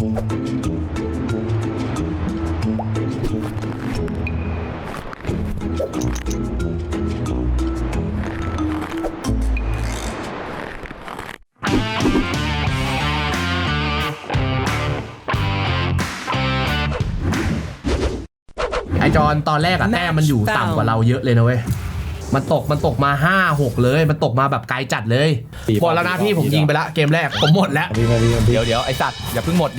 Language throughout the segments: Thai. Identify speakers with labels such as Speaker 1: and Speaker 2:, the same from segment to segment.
Speaker 1: ไอจอนตอนแรกอะแต้มมันอยู่ต่ำกว่าเราเยอะเลยนะเว้ยมันตกมา 5-6 เลยมันตกมาแบบไกลจัดเลยหมดแล้วนะพี่ผมยิงไปละเกมแรกผมหมดแล้ว
Speaker 2: เดี๋ยวไอสัตว์อย่าเพิ่งหมดดิ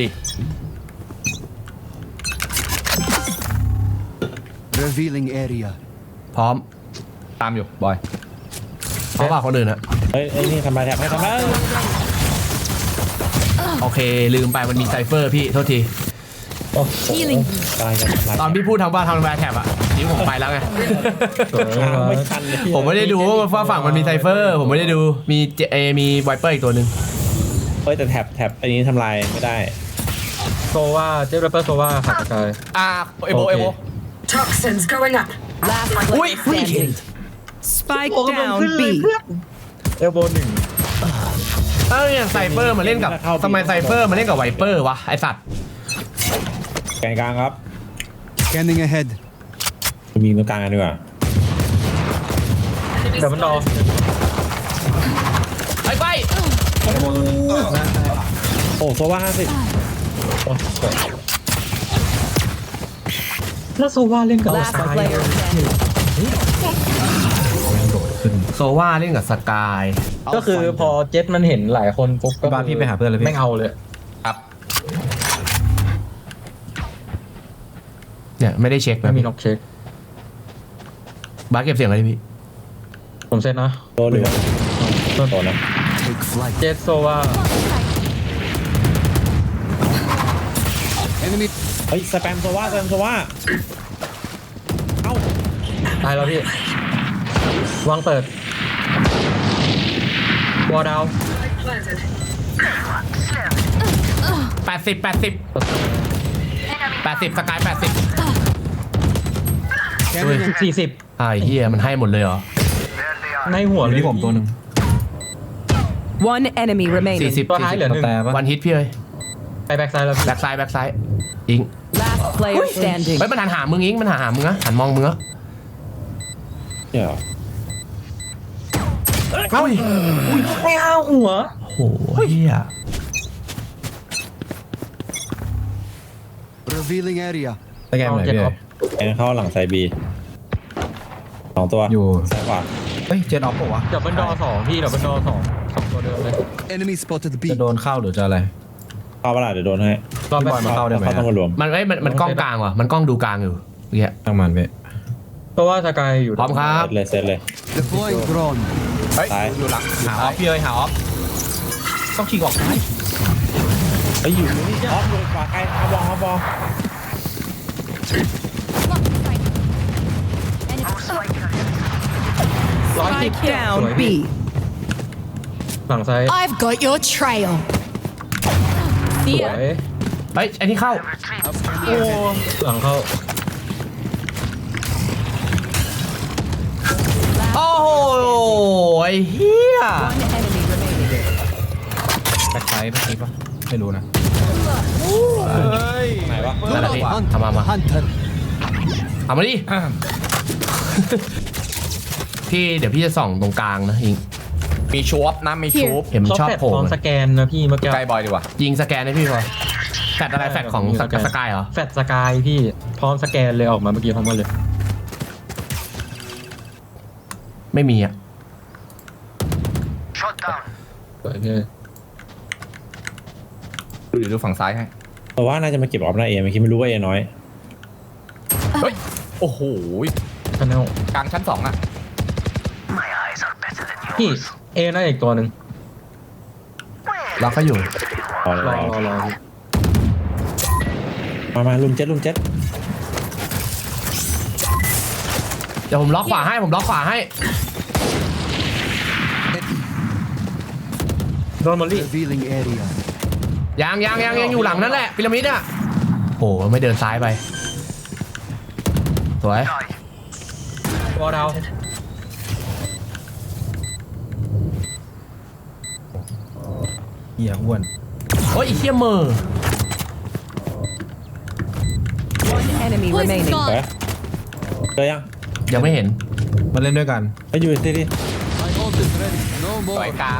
Speaker 3: Revealing area
Speaker 1: พร้อม
Speaker 2: ตามอยู่บอย
Speaker 1: เพราะว่าคนอื่นอะ
Speaker 4: เฮ้ยนี่ทำไมแท็บให้ทำไม
Speaker 1: โอเคลืมไปมันมีไซเฟอร์พี่โทษที
Speaker 4: โอ้โหกำลังจะทำลาย
Speaker 1: ตอนพี่พูดทำว่าทำแวร์แท็บอะนี่ผมไปแล้วไง
Speaker 4: ไม่ทันเลย
Speaker 1: ผมไม่ได้ดูว่าฝั่งมันมีไซเฟอร์ผมไม่ได้ดูมีไวเปอร์อีกตัวหนึ่ง
Speaker 4: เฮ้ยแต่แท็บอันนี้ทำลายไม่ได้
Speaker 5: โซว่าเจฟแรปเปอร์โซว่าขาดสกาย
Speaker 2: เอโบ
Speaker 6: Toxins going up.
Speaker 7: Last player standing. Spike down B.
Speaker 5: เอลโบหนึ่ง
Speaker 1: อย่างไซเฟอร์มาเล่นกับทำไมไซเฟอร์มาเล่นกับไวเปอร์วะไอสัตว์
Speaker 4: แกนกลางครับ
Speaker 3: Scanning ahead
Speaker 4: มีตรงกลางกันดีกว่า
Speaker 5: เดี๋ยวมันรอ
Speaker 1: ไป
Speaker 4: โอ้โซว่า50โอ้สวย
Speaker 5: แล้วโซว่าเล่นกับ
Speaker 7: Last player standing.
Speaker 1: โซว่าเล่นกับสกาย
Speaker 5: ก็คือพอเจ็ตมันเห็นหลายคนปุ๊บก็
Speaker 2: บ้านพี่ไปหาเพื่อนเลยพี่
Speaker 5: ไม่เอาเลย
Speaker 2: ครับ
Speaker 1: เนี่ยไม่ได้เช็ค
Speaker 5: ไม่
Speaker 1: นะ
Speaker 5: มี
Speaker 1: พี่
Speaker 5: น็อกเช็ค
Speaker 1: บาสเก็บเสียงอะไรพี่
Speaker 5: ผมเซ็ตนะ
Speaker 4: โดนเหลือโดนนะ
Speaker 3: Take flight
Speaker 5: เจ็ตโซว่า
Speaker 3: Enemy
Speaker 4: เฮ้ยสแปมโซว่าเอ้า
Speaker 5: ตายแล้วพี่วางเปิดวอลดาว
Speaker 6: Planted.
Speaker 1: 80สกาย80
Speaker 3: Scanning ahead
Speaker 5: 40
Speaker 1: ไอ้เหี้ยมันให้หมดเลยเหรอ
Speaker 5: ในหัวเลย
Speaker 2: ที่ผมตัวหนึ่ง
Speaker 7: One enemy remaining.
Speaker 1: 40
Speaker 5: ตัวท้ายเหลือหนึ่ง
Speaker 2: แต่ปะ
Speaker 1: วันฮิตพี่เอ้ย
Speaker 5: ไปแบ็กไซด์แล้วพี่
Speaker 1: แบ็คซ้ายอิง
Speaker 7: Last player standing.
Speaker 1: เฮ้ยมันหันหามึงอิงมันหามึงนะหันมองมึงนะ
Speaker 4: เดี๋ยว
Speaker 1: เฮ้ย
Speaker 5: ไม่เอาหัว
Speaker 1: โอ้โหเหี้ย
Speaker 3: Revealing area
Speaker 2: สแกนไหนพี่
Speaker 4: แกนเข้าหลังไซบี2ตัว
Speaker 2: อยู่
Speaker 4: ซ้ายขวา
Speaker 2: เฮ้ยเจนออฟปะวะ
Speaker 5: เดี๋ยวบันดอ2พี่เดี๋ยวบันดอ2ตัวเดิมเลย
Speaker 3: Enemy spotted B
Speaker 2: จะโดนเข้าหรือจะอะไร
Speaker 4: เข้าเวลาเดี๋ยวโดนให้
Speaker 5: รอบ
Speaker 2: พี่
Speaker 5: แบ็
Speaker 2: บอยมาเข้าได้ไหม
Speaker 4: ต้องมารวม
Speaker 1: มันกล้องกลางว่ะมันกล้องดูกลางอยู่เงี้ย
Speaker 2: ตั้งมันพี่
Speaker 5: เพราะว่าสกายอยู่
Speaker 1: พร้อมครับ
Speaker 4: เซตเลย
Speaker 3: Deploying drone
Speaker 2: เฮ้ย
Speaker 4: ซ้าย
Speaker 2: อยู่หลังหาออฟพี่เอ้ยหาออฟต้องฉีกออกซ้าย
Speaker 4: เฮ้ยอยู่นี่ออฟอยู่ขวาใกล้ฮาบอล
Speaker 7: Spike down B.
Speaker 5: หลังซ้าย
Speaker 6: I've got your trail.
Speaker 5: สวย
Speaker 1: เฮ้ยไอ้นี่เข้า
Speaker 5: โอ้หลังเข้า
Speaker 1: โอ้โหไอ้เหี้ย
Speaker 7: One enemy remaining.
Speaker 2: แบ็คไซด์เมื่อกี้ปะไม่รู้นะ
Speaker 4: ไหนวะ
Speaker 1: นั่นแหละพี่ทำมา
Speaker 3: Hunter
Speaker 1: เอามาดิ พี่เดี๋ยวพี่จะส่องตรงกลางนะอิง
Speaker 2: มีชูอฟนะมีชูอฟ
Speaker 1: เห็นมันชอบ
Speaker 5: แฟด
Speaker 1: โผล่
Speaker 5: พร้อมสแกนนะพี่เมื่อกี้
Speaker 2: ใกล้บอยดีกว่า
Speaker 1: ยิงสแกนให้พี่พอแฟดอะไรแฟดของสกายเหรอ
Speaker 5: แฟดสกายพี่พร้อมสแกนเลยออกมาเมื่อกี้พร้อมกันเลย
Speaker 1: ไม่มีอ่ะ
Speaker 5: สวยเลย
Speaker 2: ดูฝั่งซ้ายให้
Speaker 4: แต่ว่าน่าจะมาเก็บออฟหน้าเอเมื่อกี้ไม่รู้ว่าเอน้อย
Speaker 2: เฮ้ยโอ้โห
Speaker 5: ชาแนล
Speaker 2: กลางชั้น2อ่ะ
Speaker 5: พี่เอน่าอีกตัวหนึ่ง
Speaker 1: เราก็อยู่
Speaker 4: รอเลย
Speaker 5: รอ
Speaker 4: มาลุมเจ็ด
Speaker 1: เดี๋ยวผมล็อกขวาให้ผมล็อกขวาให้
Speaker 5: โดนมอลลี่
Speaker 3: Revealing area
Speaker 1: ยังอยู่หลังนั่นแหละพีระมิดอ่ะโอ้ไม่เดินซ้ายไปสวยว
Speaker 5: อลดาว
Speaker 2: เหี้ยอ้วน
Speaker 1: โอ้ยไอ้เหี้ยเมอร์
Speaker 7: One enemy
Speaker 6: Poison's
Speaker 7: remaining.
Speaker 4: เฮ้ย
Speaker 6: gone.
Speaker 4: เจอยัง
Speaker 1: ยังไม่เห็น
Speaker 2: มาเล่นด้วยกัน
Speaker 4: ไปอยู่ที่ดิ
Speaker 3: My ult is ready. No
Speaker 2: สวย
Speaker 3: more.
Speaker 2: กาว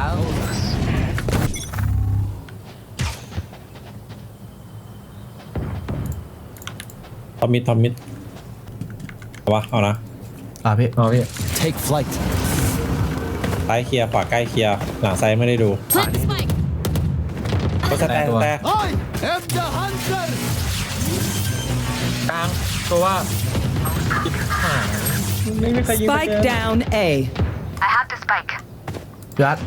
Speaker 4: ทอมมิดเอาวะเอานะ
Speaker 1: พี่
Speaker 5: อ๋อพี่
Speaker 3: Take flight.
Speaker 4: ซ้ายเคลียร์ขวาใกล้เคลียร์หลังซ้ายไม่ได้ดู
Speaker 6: Plant the spike.
Speaker 4: ก็สแตนแต่
Speaker 3: I am the hunter.
Speaker 5: กลางตัวว่าไม่มีใครยิง
Speaker 7: Spike down A.
Speaker 6: I have the spike.
Speaker 1: พี่รัต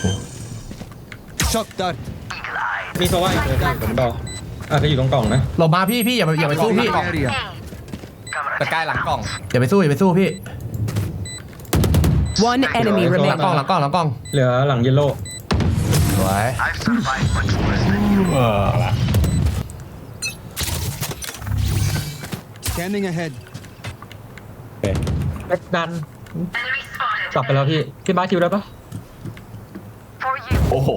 Speaker 3: Shock dart.
Speaker 5: มีตัวว่าอีกเลยพี่ผมบอกอาจจะอยู่ตรงกล่องนะ
Speaker 1: หลบมาพี่อย่าไปสู้พี่
Speaker 3: Area.
Speaker 2: ตะกายหลังกล่อง
Speaker 1: อย่าไปสู้พี่
Speaker 7: One enemy
Speaker 1: หลัง
Speaker 7: remaining.
Speaker 1: กล้องหลังกล้อง
Speaker 5: เหลือหลังเยลโล่
Speaker 1: สวย
Speaker 3: Scanning ahead.
Speaker 4: โอเค
Speaker 5: แบ็กดันกลับไปแล้วพี่บ้าสคิวได้ปะ
Speaker 2: โอ้โห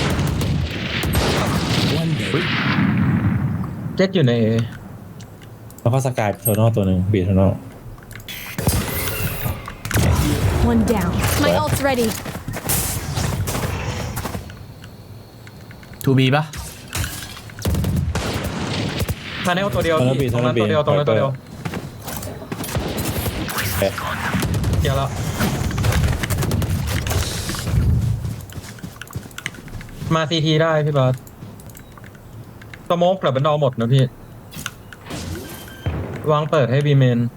Speaker 5: เจ็ดอยู่ใน A
Speaker 4: แล้วก็สกายเทอร์นอลตัวหนึ่งบีเทอร์นอล
Speaker 6: One down. My ult's ready.
Speaker 1: ทูบีปะ
Speaker 5: มาแนวตัวเดียวพี่ตรงนั้นตัวเดียวตรงนั้นตัวเดียว
Speaker 4: โอเค
Speaker 5: เดี๋ยวแล้วมาซีทีได้พี่บาสสโมกกลับเป็นดอหมดนะพี่วางเปิดให้บีเมน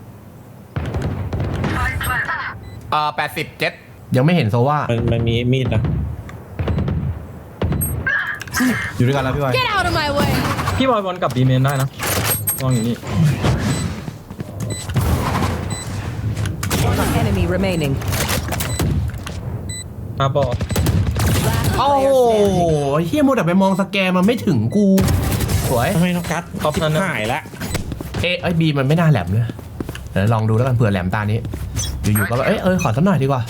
Speaker 2: 87
Speaker 1: ยังไม่เห็นโซว่า
Speaker 4: มันมีมีดนะ
Speaker 2: อยู่ด้วยกันแล้วพี่บอย
Speaker 6: Get out of my way.
Speaker 5: พี่บอยบอลกับบีเมนได้นะวางอย่างนี้
Speaker 7: One enemy remaining.
Speaker 5: มาบอล
Speaker 7: Last
Speaker 1: โอ้โห
Speaker 7: player standing.
Speaker 1: เฮียโมแต่ไปมองสแกนมันไม่ถึงกู สวย
Speaker 4: ทำไมน้องกัด
Speaker 5: ท็อปนั้นนะ
Speaker 4: หายละ
Speaker 1: ไอ้บีมันไม่น่าแหลมเลยเดี๋ยวลองดูแล้วกันเผื่อแหลมตานี้ อยู่ๆก็แบบขอสักหน่อยดีกว่า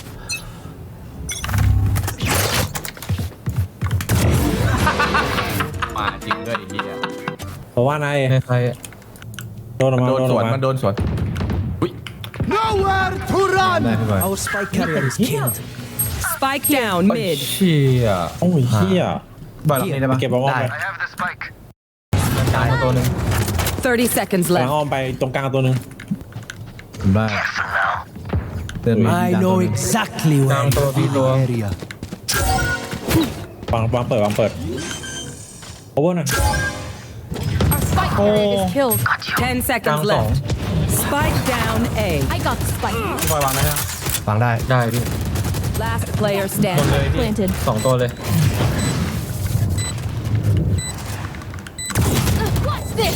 Speaker 2: มาจริงด้วยไอ้เหี้ย
Speaker 4: เพราะว่านาย
Speaker 5: ใคร
Speaker 4: โดนออกมา
Speaker 2: โดนสวน
Speaker 4: ออก
Speaker 2: มันโดนสวน
Speaker 3: Nowhere to run.
Speaker 2: ได้พี่บอย
Speaker 3: Our spike carrier is killed.
Speaker 7: Spike down mid.
Speaker 2: เชี่ย
Speaker 4: โอ้ยเฮีย
Speaker 2: บอยหลังนี้ได้ปะ
Speaker 4: เก็บเอาอ้อมไป
Speaker 5: กลางมาตัวหนึ่ง
Speaker 7: 30 seconds
Speaker 4: หลัง
Speaker 7: left.
Speaker 4: อ้อมไปตรงกลางตัวหนึ่ง
Speaker 2: ผมได้เดินมา
Speaker 3: I know exactly
Speaker 5: กลาง
Speaker 3: where
Speaker 5: ตัวพี่ตัว
Speaker 3: area.
Speaker 4: วางเปิดโอเวอร์หน่อย
Speaker 6: Our spike carrier is killed.
Speaker 7: 10 seconds
Speaker 5: Down
Speaker 7: left. Spike down A.
Speaker 6: I got the spike.
Speaker 5: พี่บอยวางได้ยัง
Speaker 1: ฟังได้
Speaker 5: ได้พี่
Speaker 7: Last player
Speaker 5: หมด
Speaker 7: standing.
Speaker 5: เลยพี่
Speaker 6: Planted.
Speaker 5: สองตัวเลย
Speaker 6: What's this?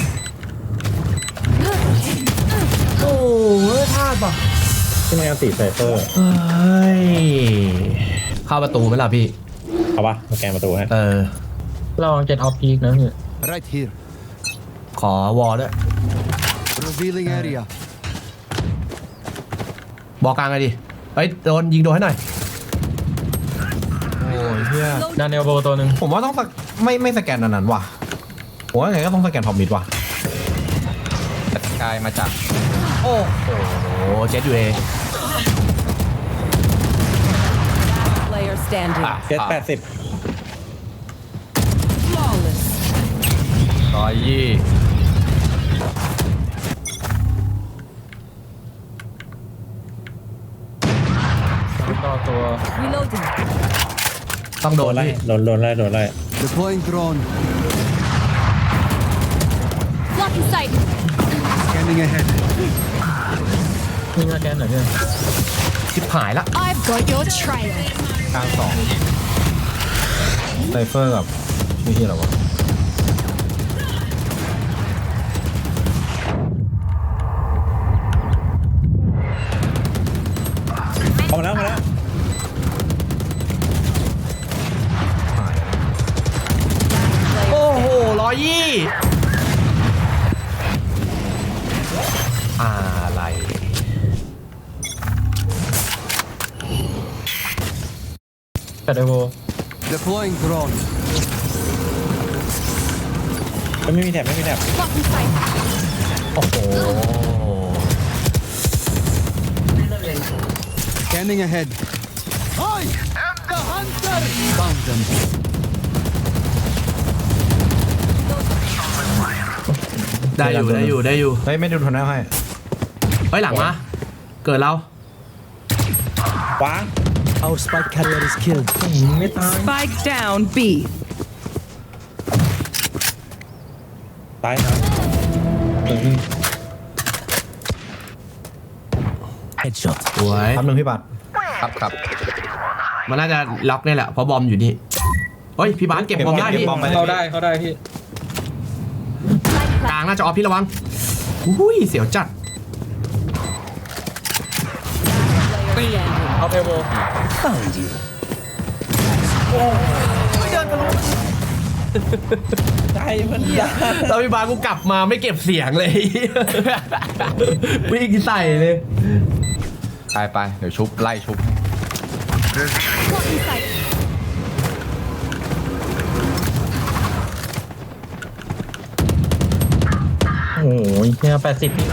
Speaker 1: โอ้พลาดป่ะ
Speaker 4: ที่มันยังติดไซเฟอร์
Speaker 1: เฮ้ย เข้าประตูไหมล่ะพี่
Speaker 4: เอาปะมาแกนประตูให้
Speaker 5: เราเจ็ดออฟพีกนะพี่
Speaker 3: Right here.
Speaker 1: ขอวอลด้วย
Speaker 3: Revealing area.
Speaker 1: บอกกลางไงดิยิงโดนให้หน่อย
Speaker 2: โอ้ยเหี้ย
Speaker 5: ดานเนลโบตัวหนึ่ง
Speaker 2: ผมว่าต้องไม่สแกนอันนั้นว่ะผมว่าไงก็ต้องสแกนพอมมิดว่ะแต่สกายมาจาก
Speaker 1: โอ้เจ็ดอยู่เอ
Speaker 7: Player standing.
Speaker 4: เจ็ด80
Speaker 7: Flawless.
Speaker 5: ต่อตัว
Speaker 7: Reloading.
Speaker 1: ต้องโด
Speaker 4: โด
Speaker 1: น
Speaker 4: นไล่
Speaker 1: พี่
Speaker 4: โดนไล่
Speaker 3: Deploying drone.
Speaker 6: Blocking sight.
Speaker 3: Scanning ahead.
Speaker 5: นี่มาแกนหน่อยพี่
Speaker 1: ชิบหายละ
Speaker 6: I've got your trail.
Speaker 2: กลางสองไซเฟอร์กับนี่ที่อะไรวะ
Speaker 4: เอามาแล้ว
Speaker 1: โอ้โห120อะไร
Speaker 5: แต่เดโว
Speaker 3: Deploying drone.
Speaker 4: ไม่มีแถบ
Speaker 6: Blocking sight.
Speaker 1: อ้โห
Speaker 3: Scanning ahead. I am the hunter. Found them.
Speaker 1: ได้อยู่
Speaker 2: เฮ้ยไม่ดูทันแล้วให้
Speaker 1: เฮ้ยหลังมาเกิดเรา
Speaker 4: ขวา
Speaker 3: Our spike carrier is killed.
Speaker 5: ไม่ตาย
Speaker 7: Spike down B.
Speaker 4: ตายครับ
Speaker 3: Headshot.
Speaker 1: สวย
Speaker 2: ทำหนึ่งพี่บัตร
Speaker 8: ครับ
Speaker 1: มันน่าจะล็อกนี่แหละเพราะบอมอยู่นี่เฮ้ยพี่บาสเก็บบอมได้พี่
Speaker 5: เข้าได้พี่
Speaker 1: กลางน่าจะออฟพี่ระวังอุ้ยเสียวจัด
Speaker 5: เอาเทเบิล
Speaker 3: Found you.
Speaker 4: ใจมันยา
Speaker 1: แล้วพี่บาสกูกลับมาไม่เก็บเสียงเลย วิ่งใส่เลย
Speaker 8: ไปเดี๋ยวชุบไล่ชุบ
Speaker 6: Blocking sight.
Speaker 5: โอ้โหแค่80พี่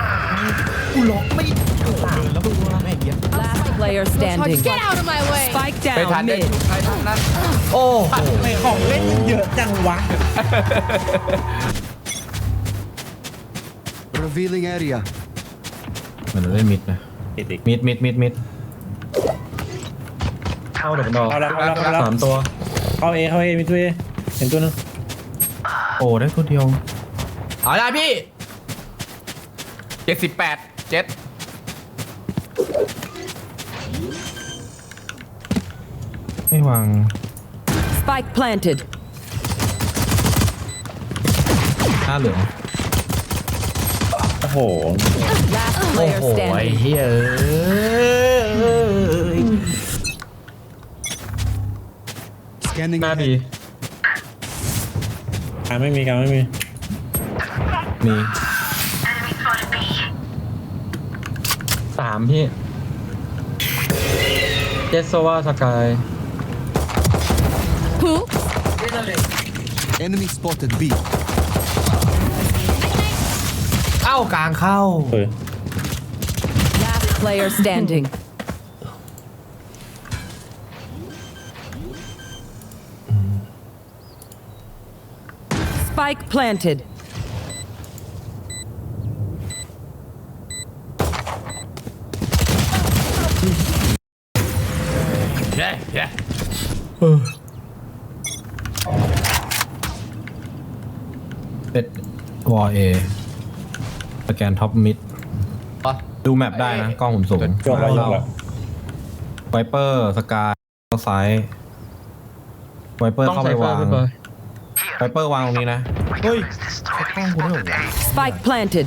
Speaker 7: Last player standing.
Speaker 6: Get out of my way.
Speaker 7: Spike
Speaker 8: ไปทัน
Speaker 7: down
Speaker 8: ได้
Speaker 7: mid.
Speaker 8: ชุบใครทั้งนั้น
Speaker 1: โอ้โห
Speaker 4: ไม่ของเล่นเยอะจังวะ
Speaker 3: Revealing area.
Speaker 2: เหมือนเราเล่นมิดนะ
Speaker 4: ติด
Speaker 2: มิด
Speaker 5: เข้าเดี๋ยวมันรอ
Speaker 4: เอาละ
Speaker 5: 3 ตัว
Speaker 4: เข้าเอมีตัวเอเห็นตัวนึง
Speaker 2: โอ้ได้ตัวเดียว
Speaker 1: เอาได้พี่
Speaker 8: 78 เจ็ด
Speaker 2: ไม่วาง
Speaker 7: Spike planted.
Speaker 2: หน้าเหลือง
Speaker 4: โอ้โห
Speaker 7: Last
Speaker 1: โอ้
Speaker 7: player
Speaker 1: โหไอ้
Speaker 7: standing.
Speaker 1: เฮ้ยเอ้ย
Speaker 3: Scanning
Speaker 5: หน้า
Speaker 3: ahead.
Speaker 5: ดี
Speaker 4: การไม่มี
Speaker 2: มี
Speaker 5: 3พี่เจสโซวาสกาย
Speaker 6: Who?
Speaker 3: Enemy spotted B.
Speaker 1: เอ้ากลางเข้า
Speaker 4: เฮ้ย
Speaker 7: Last player standing. Spike planted.
Speaker 1: เย้เย้
Speaker 2: เป็ดวอเอสแกนท็อปมิด
Speaker 8: ปะ
Speaker 2: ดูแมปได้นะ กล้องผมสูง
Speaker 4: ยกแล้ว
Speaker 2: ไวเปอร์สกายเข้าซ้ายไวเปอร์
Speaker 5: ต้อง
Speaker 2: เข้า
Speaker 5: ใส่
Speaker 2: ไป
Speaker 5: เฟอ
Speaker 2: วาง
Speaker 5: ร์พี่บอย
Speaker 2: ไวเปอร์วางตรงนี้นะ เฮ้ยกล้องกูได้เหรอวะ
Speaker 7: Spike planted.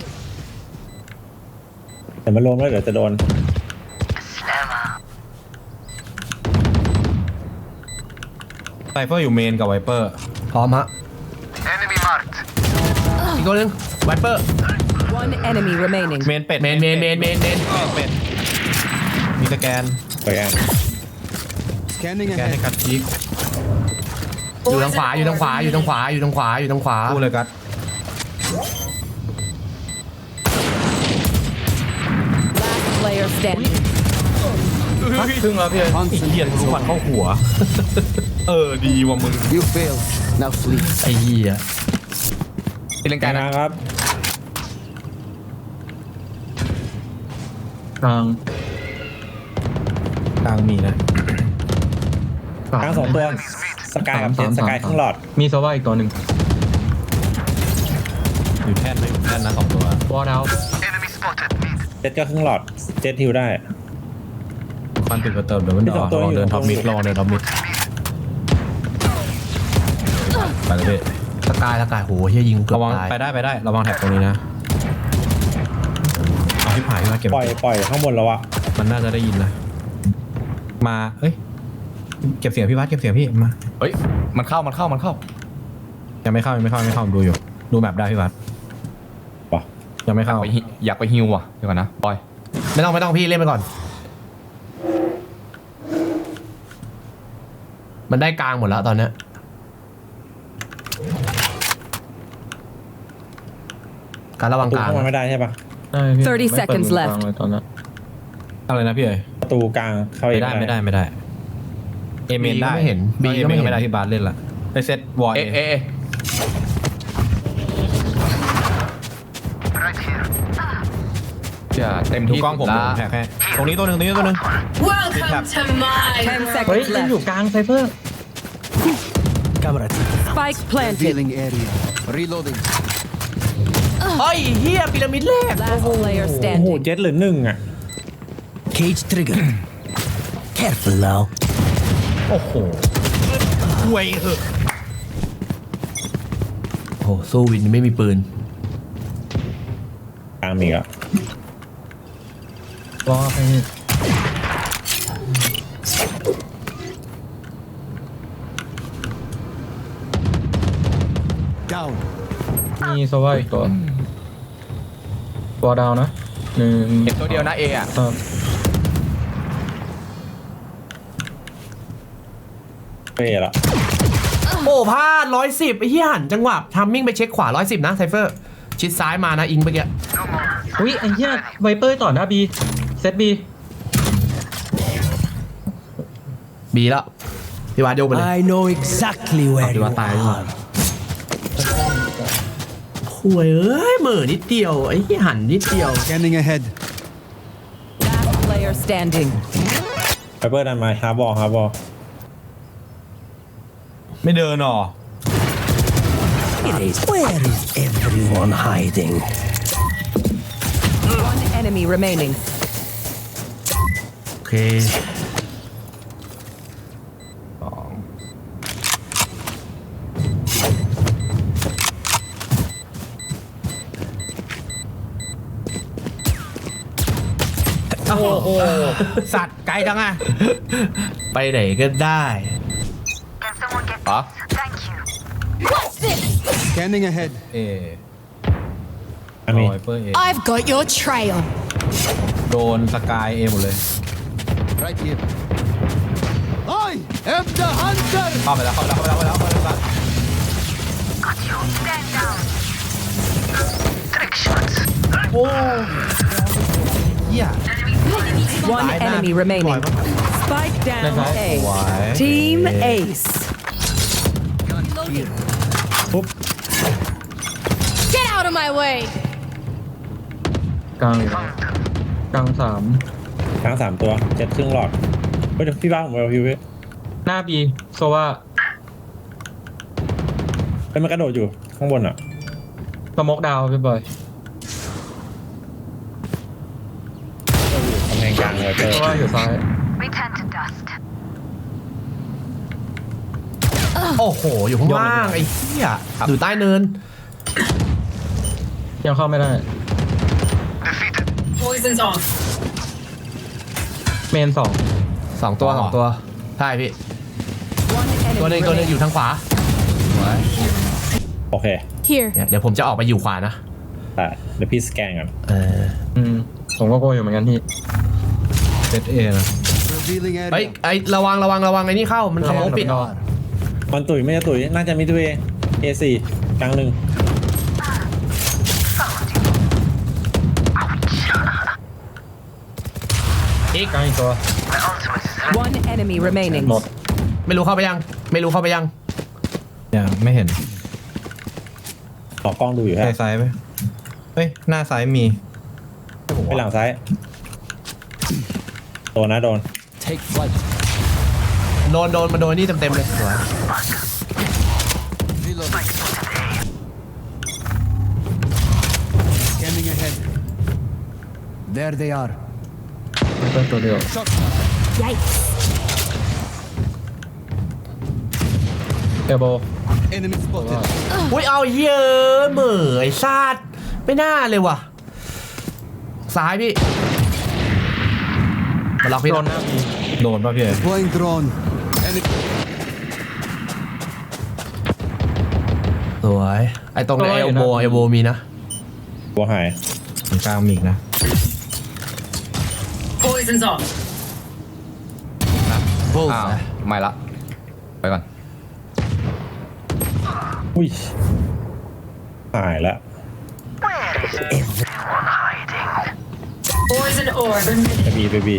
Speaker 4: แต่มันลงแล้วเดี๋ยวจะโดน
Speaker 2: ไซเฟอร์อยู่เมนกับไวเปอร์
Speaker 1: พร้อมฮะอีกตัวหนึงไวเปอร์
Speaker 7: One enemy remaining.
Speaker 2: เมนเป็ด
Speaker 1: เมน
Speaker 2: เป็ดมีสแกน
Speaker 4: ไปแอน
Speaker 3: Scanning
Speaker 2: สแกนให้
Speaker 3: ahead.
Speaker 2: กัดพีก
Speaker 1: อยู่ทางขวาอยู่ทางขวาอยู่ทางขวาอยู่ทางขวาอยู่ทางขวา
Speaker 2: พูดเลยกัด
Speaker 7: Last player standing.
Speaker 5: ครึ่งแล้วพี่
Speaker 2: เหี้ยรู้วันเข้าหัว เออดีว่ะมึง
Speaker 3: You failed. Now sleep.
Speaker 1: ไอ้เหี้ย
Speaker 8: ตีลังกานะ
Speaker 4: ครับ
Speaker 5: กลาง
Speaker 2: กลางมีนะ
Speaker 4: กลาง2 ตัว สกายกับเจนสกายข้างหลอด
Speaker 5: มีโซวาอีกตัวหนึ่ง
Speaker 2: อยู่แท่นเลยแท่นนะ2 ตัว
Speaker 5: วอลเอา
Speaker 4: เจ็ดก็ข้างหลอด เจ็ดฮิวได้
Speaker 2: ควันติดกระเติมเดี๋ยวมัน
Speaker 4: มี
Speaker 2: ด
Speaker 4: ส
Speaker 2: อ
Speaker 4: องตัว
Speaker 2: ลองเดิน
Speaker 4: อยู่
Speaker 2: ท็อปมิดลองเดินท็อปมิดไปเลยพี่
Speaker 1: สกายโหเฮียยิงเกือบ
Speaker 2: ระวัง
Speaker 1: ตาย
Speaker 2: ไปได้ระวังแท็บตรงนี้นะเอาที่ผายมาเก็บ
Speaker 4: ปล่อยข้างบนแล้วอะ
Speaker 2: มันน่าจะได้ยินนะมาเอ้ยเก็บเสียงพี่วัดเก็บเสียงพี่มา
Speaker 8: เฮ้ยมันเข้า
Speaker 2: ยังไม่เข้าดูอยู่ดูแมปได้พี่วัด
Speaker 4: ป่ะ
Speaker 2: ยังไม่เข้า
Speaker 8: อยากไปฮิวว่ะเดี๋ยวก่อนนะบอย
Speaker 1: ไม่ต้องพี่เล่นไปก่อน มันได้กลางหมดแล้วตอนเนี้ยการระวัง
Speaker 4: ประตู
Speaker 1: กลาง
Speaker 4: เข้ามาไม่ได้ใช่ปะ
Speaker 5: ได้พี่
Speaker 7: 30
Speaker 5: ไม่เปิด
Speaker 7: seconds
Speaker 5: มือกลาง
Speaker 7: left
Speaker 5: เลยตอนนั้น
Speaker 2: อะไรนะพี่เอ๋ย
Speaker 4: ประตูกลางเข้าเอง
Speaker 2: ไม่ได้เอเมนได้
Speaker 1: ไม่เห็น
Speaker 2: บี
Speaker 1: บีก็ไม่
Speaker 2: ก็
Speaker 1: เห็น
Speaker 2: ไม่ได้ที่บาสเล่นละไปเซตวอล
Speaker 8: เอะเอะเอะ อย่าเต็ม
Speaker 2: ดู
Speaker 8: ที่
Speaker 2: กล้องผม
Speaker 8: สุดละ
Speaker 2: แพ้ตรงนี้ตัวหนึ่ง
Speaker 7: Welcome to my
Speaker 5: เฮ้ย
Speaker 7: seconds
Speaker 5: มันอยู่
Speaker 7: left.
Speaker 5: กลางไซเฟอร์
Speaker 3: Camera team.
Speaker 7: Spike planted.
Speaker 3: Revealing area. Reloading.
Speaker 1: เฮ้ยเฮียพีระมิดแรก
Speaker 7: Last player
Speaker 4: โอ้โห
Speaker 7: standing.
Speaker 4: เจ็ดหรือหนึ่งอ่ะ
Speaker 3: Cage trigger. Careful now.
Speaker 2: โอ้โหห่วยเหอะ
Speaker 1: โอ้โหสู้วินไม่มีปืน
Speaker 4: กลางมีอ่ะ
Speaker 5: รอให้นี่
Speaker 3: Down.
Speaker 5: มีโซว่าอีกตัวดาวนะหนึ่ง
Speaker 8: เห็นตัวเดียวนะเอะอะ
Speaker 5: ครับ
Speaker 4: เฟ่ละ
Speaker 1: โอ้พลาด110ไอ้เหี้ยหันจังหวะทัมมิ่งไปเช็คขวา110นะไซเฟอร์ชิดซ้ายมานะอิงเมื่อกี้
Speaker 5: อุ้ยไอ้เหี้ยไวเปอร์ต่อหน้าบีเซตบี
Speaker 1: บีแล้วพี่วาดโยกไปเลย
Speaker 3: I know exactly where
Speaker 1: Di
Speaker 3: you
Speaker 1: ba tayo?
Speaker 3: are.
Speaker 1: ห่วยเอ้ยเหม่อนิดเดียวไอ้เหี้ยหันนิดเดียว
Speaker 3: Scanning ahead.
Speaker 7: Last player standing.
Speaker 4: ไฟเบอร์ดันมาฮาร์บอล
Speaker 2: ไม่เดินหรอ
Speaker 3: Where is everyone hiding?
Speaker 7: One enemy remaining.
Speaker 1: โอเคโอ้โหสัตว์ไกลจังอะไปไหนก็ได้
Speaker 8: อ๋อ
Speaker 3: Scanning ahead.
Speaker 2: เอ
Speaker 4: อันนี้
Speaker 2: ไวเปอร์เอ
Speaker 6: I've got your trail.
Speaker 2: โดนสกายเอหมดเลย
Speaker 3: Right here. I am the hunter.
Speaker 2: เข้าไปแล้ว
Speaker 7: One enemy remaining. Spike down A. Team Ace.
Speaker 6: Get out of my way.
Speaker 5: กลางกลางสาม
Speaker 4: กลาง3ตัวเจ็ดครึ่งหลอดเฮ้ยเดี๋ยวพี่บ้าผมเอาพี่เว้ย
Speaker 5: หน้าบีโซว่า
Speaker 4: เฮ้ยมันกระโดดอยู่ข้างบนอ่ะ
Speaker 5: สโมกดาวพี่บอย
Speaker 4: กำแพงกลางเลยเจอ
Speaker 5: โซว่าอยู่ซ้าย
Speaker 1: โอ้โห อยู่ข้างล่างไอ้เหี้ยอยู่ใต้เนิน
Speaker 5: ยังเข้าไม่ได้
Speaker 7: Poison's off.
Speaker 5: เมนสอง
Speaker 1: 2 ตัว 2 ตัวใช่พี่
Speaker 7: One
Speaker 1: ตัวหนึง
Speaker 7: enemy
Speaker 1: ตัวหนึง
Speaker 7: remaining.
Speaker 1: อยู่ทางขวา
Speaker 4: โอเค
Speaker 6: Here.
Speaker 1: เนี่ยเดี๋ยวผมจะออกไปอยู่ขวานะ
Speaker 4: แต่เดี๋ยวพี่สแกนกัน
Speaker 5: ผมก็โกยอยู่เหมือนกันพี่
Speaker 2: เซตเอนะ
Speaker 3: Revealing
Speaker 1: เฮ้ย
Speaker 3: area.
Speaker 1: ไอ้ระวังไอ้นี่เข้ามันสมองปิด
Speaker 4: มันตุ๋ยไม่จะตุ๋ยน่าจะมิดเวย์ A4 กลางหนึ่ง
Speaker 1: อีก
Speaker 5: กลางอีกตัว
Speaker 7: One enemy remaining.
Speaker 5: หมด
Speaker 1: ไม่รู้เข้าไปยัง
Speaker 2: ยังไม่เห็น
Speaker 4: ต่อกล้องดูอยู่
Speaker 2: ใส่
Speaker 4: ฮะ
Speaker 2: ซ้ายไหมเฮ้ยหน้าซ้ายมี
Speaker 4: ไปหลังซ้ายโดนนะโดน
Speaker 3: Take flight.
Speaker 1: โดนมาโดนนี่เต็มเลยสวย
Speaker 3: Reloading. Scanning ahead. There they are.
Speaker 5: ไม่เป็นตัวเดียว
Speaker 6: Yikes.
Speaker 5: เอลโบ
Speaker 3: Enemy spotted.
Speaker 1: อุ้ยเอาเหี้ยอะเหม่อไอ้ซาดไม่น่าเลยว่ะ ซ้ายพี่มาล็อกพี่
Speaker 5: โด
Speaker 1: นะ
Speaker 5: นหน้าบี
Speaker 2: โดนป่ะพี่เอ๋
Speaker 3: Deploying drone. Enemy.
Speaker 1: สวยไอ้ตรงในเอลโบมีนะ
Speaker 4: หัวหาย
Speaker 2: ตรงกลางมีอีกนะ
Speaker 7: Poison's off.
Speaker 8: อ้าวไม่ละ ไปก่อน
Speaker 4: อุ้ยหายแล้ว
Speaker 5: สโม
Speaker 4: ไปบี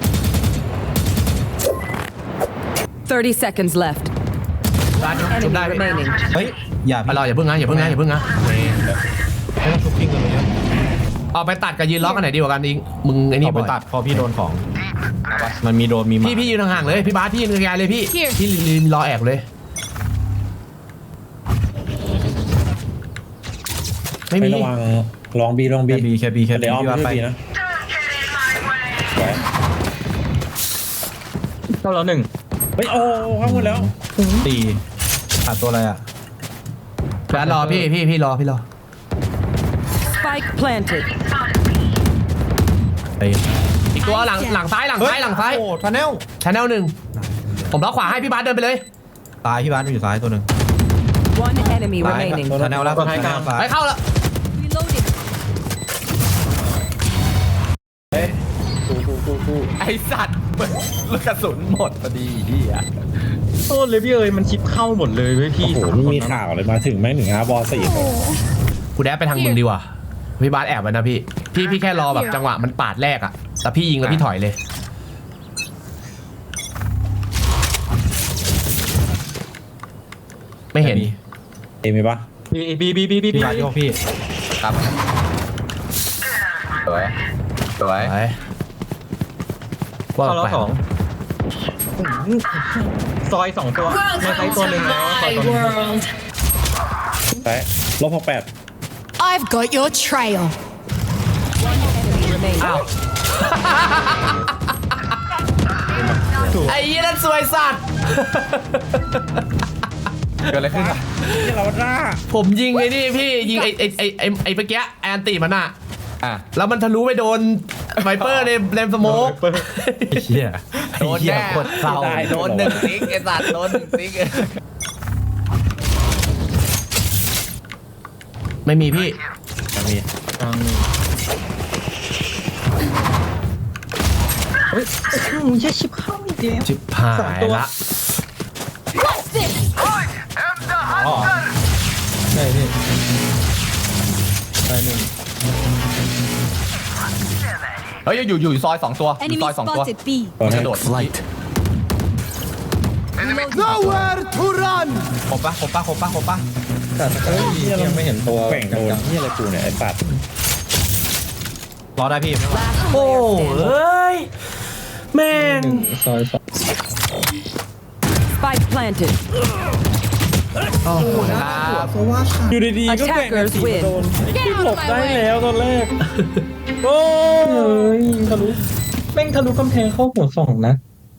Speaker 7: 30 seconds left.
Speaker 1: ชุบได้
Speaker 7: Enemy remaining.
Speaker 2: เฮ้ยอย่า
Speaker 1: ไปรออย่าเพิ่งนะอย่าเพิ่งนะอย่าเพิ่งนะ
Speaker 2: ไม่ต้องชุบกิ้งกันเลยนะ
Speaker 1: เอาไปตัดกับยืนล็อกกันไหนดีกว่ากันอิงมึงไอ้นี่
Speaker 2: เอาไป
Speaker 1: บ่อย
Speaker 2: ตัดพอพี่โดนของมันมีโดนมีมา
Speaker 1: พี่ยืนห่างๆเลยพี่บาสพี่ยืนไกลๆเลยพี่พี่รอแอบเลยไม่
Speaker 4: ไม่
Speaker 1: มี
Speaker 4: ระวังลองบี
Speaker 2: แค่บีแค่
Speaker 4: เดี๋ยวอ้อม
Speaker 2: พี่ว่า
Speaker 4: ไม่
Speaker 2: ไป
Speaker 4: บีนะ
Speaker 5: เข้าแล้วหนึ่ง
Speaker 4: เฮ้ยโอ้เข้าหมดแล้ว
Speaker 2: ตีขาดตัวอะไรอ่ะ
Speaker 1: แฟนรอพี่รอ
Speaker 7: Spike planted.
Speaker 2: ตี
Speaker 1: อีกตัวหลังซ้ายหลังซ้าย
Speaker 2: โอ้ทันแนล
Speaker 1: ชาแนลหนึ่งผมล็อกขวาให้พี่บาสเดินไปเลย
Speaker 2: ตายพี่บ้านอยู่ซ้ายตัวหนึ่ง
Speaker 7: One enemy
Speaker 2: ตาย
Speaker 7: remaining.
Speaker 2: ทันแนลแล้วทันแนลซ้าย
Speaker 1: ไปเข้าแล้ว
Speaker 6: Reloading.
Speaker 8: ไอสัตว์ลูกกระสุนหมดพอดีพี่อะ
Speaker 5: โทษเลยพี่เอ๋ยมันชิปเข้าหมดเลยเว้ยพี่
Speaker 4: โอ้โหไม่มีข่าวเลยมาถึงแม่งถึงบอลสี่
Speaker 1: กูแดดไปทางมึงดีกว่าพี่บาสแอบไว้นะพี่แค่รอแบบจังหวะมันปาดแรกอะแต่พี่ยิงแล้วพี่ถอยเลย ไม่เห็น
Speaker 4: เอ็มมีปะ
Speaker 5: บี
Speaker 2: พี่บ้านโยกพี่
Speaker 8: ครับสวยสวย
Speaker 1: ไปว่า
Speaker 5: เข้าแล้ว
Speaker 1: ไป
Speaker 5: สองซอย2ตัวในไซต์ตัวหนึ่งแล้วซอยตัวหนึ่ง
Speaker 6: world.
Speaker 4: ไป-68
Speaker 6: I've got your trail.
Speaker 7: Enemy remaining.
Speaker 1: อ้าวไอ้ยี่นั่นสวยสัตว์
Speaker 8: เกิดอะไรขึ้นอะ
Speaker 4: นี่เราหน้า
Speaker 1: ผมยิงไอ้นี่พี่ยิงไอ้เมื่อกี้ไอ้อันติมันอะ
Speaker 8: อ่ะ
Speaker 1: แล้วมันทะลุไปโดนไวเปอร์ในเลมสโมก
Speaker 2: ไอ้เหี้ย
Speaker 8: โดนแน่
Speaker 2: กดเศร้า
Speaker 8: โดนหนึ่งติ๊กไอสัตว์โดนหนึ่งติ๊ก
Speaker 1: ไม่มีพี่
Speaker 4: มี
Speaker 1: จิบหายละ
Speaker 6: What's this?
Speaker 5: ใช่พี่ใช่หนึ่ง
Speaker 8: เฮ้ยอยู่ซอย2ตัวอยู่
Speaker 6: Enemy
Speaker 8: ซอย2ตัว
Speaker 6: spotted B.
Speaker 4: ตัว
Speaker 8: ก
Speaker 4: นี้
Speaker 8: ระโดด
Speaker 3: Nowhere to run.
Speaker 2: ครบปะ
Speaker 5: แต่ยังไม่เห็นตัว
Speaker 4: แกว่งโดนนี่อะไรกูเนี่ยไอ้ปัด
Speaker 2: รอได้พี่
Speaker 1: โอ้เอ้ยแม่ง
Speaker 5: ซอยสอง
Speaker 7: Spike planted.
Speaker 4: อยู่ดีๆก็แกว่ง
Speaker 7: Attackers win.
Speaker 6: Get
Speaker 4: หล
Speaker 6: out
Speaker 4: บ
Speaker 6: of
Speaker 4: ได้
Speaker 6: my
Speaker 4: แล้
Speaker 6: way.
Speaker 4: วตอนแรกโอ้
Speaker 5: เฮ้ยทะลุแม่งทะลุกำแพงเข้าหัวสองนะ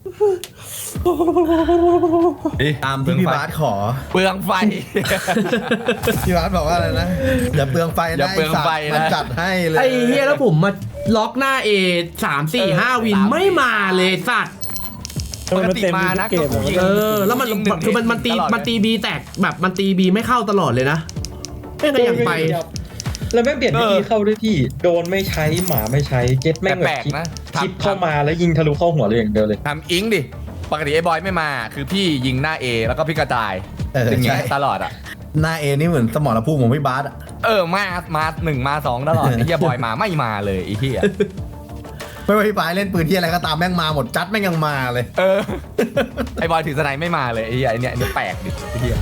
Speaker 9: ตามที่พี่บาสขอ
Speaker 8: เปลืองไฟ
Speaker 9: พี่บาสบอกว่าอะไรนะ อย่าเปลืองไฟ
Speaker 8: อย่า
Speaker 9: นะ
Speaker 8: เปลืองไฟนะ
Speaker 9: มันจัดให้เลย
Speaker 1: ไอ้เฮียแล้วผมมาล็อกหน้า A 3-4-5 วินไม่มาเลยสัตว์
Speaker 8: ปกติมานะ
Speaker 4: เกม
Speaker 8: ก็กูยิง
Speaker 1: แล้วมัน
Speaker 8: ยิงหนึ่ง
Speaker 1: คือมันตี
Speaker 8: ตลอดเลย
Speaker 1: มันตีบีแตกแบบมันตีบีไม่เข้าตลอดเลยนะไม่ก็ยังไป
Speaker 5: แล้วแม่งเปลี่ยนวิธีเข้าด้วยพี่โดนไม่ใช้หมาไม่ใช้เจ็ตแม่ง
Speaker 8: แปลกๆนะ
Speaker 5: ชิปเข้ามาแล้วยิงทะลุเข้าหัวเลยอย่างเดียวเลย
Speaker 8: ทำอิงดิ ปกติไอ้บอยไม่มา คือพี่ยิงหน้า A แล้วก็พี่กระจาย
Speaker 9: เออ
Speaker 8: อย่างเงี้ย
Speaker 9: ใช่
Speaker 8: ตลอดอ่ะ
Speaker 9: หน้าเอนี่เหมือนสมรภูมิของพี่บาสอะ
Speaker 8: มาหนึ่งมาสองตลอด ไอ้เหี้ยบอยมาไม่มาเลยไอ้เหี้ย
Speaker 9: ไม่ว่าพี่บาสเล่นปืนที่อะไรก็ตามแม่งมาหมดจัดแม่งยังมาเลย
Speaker 8: ไอ้บอยถือสไนไม่มาเลยไอ้เหี้ยไอ้เนี่ยแปลกดิไอ้เหี้ย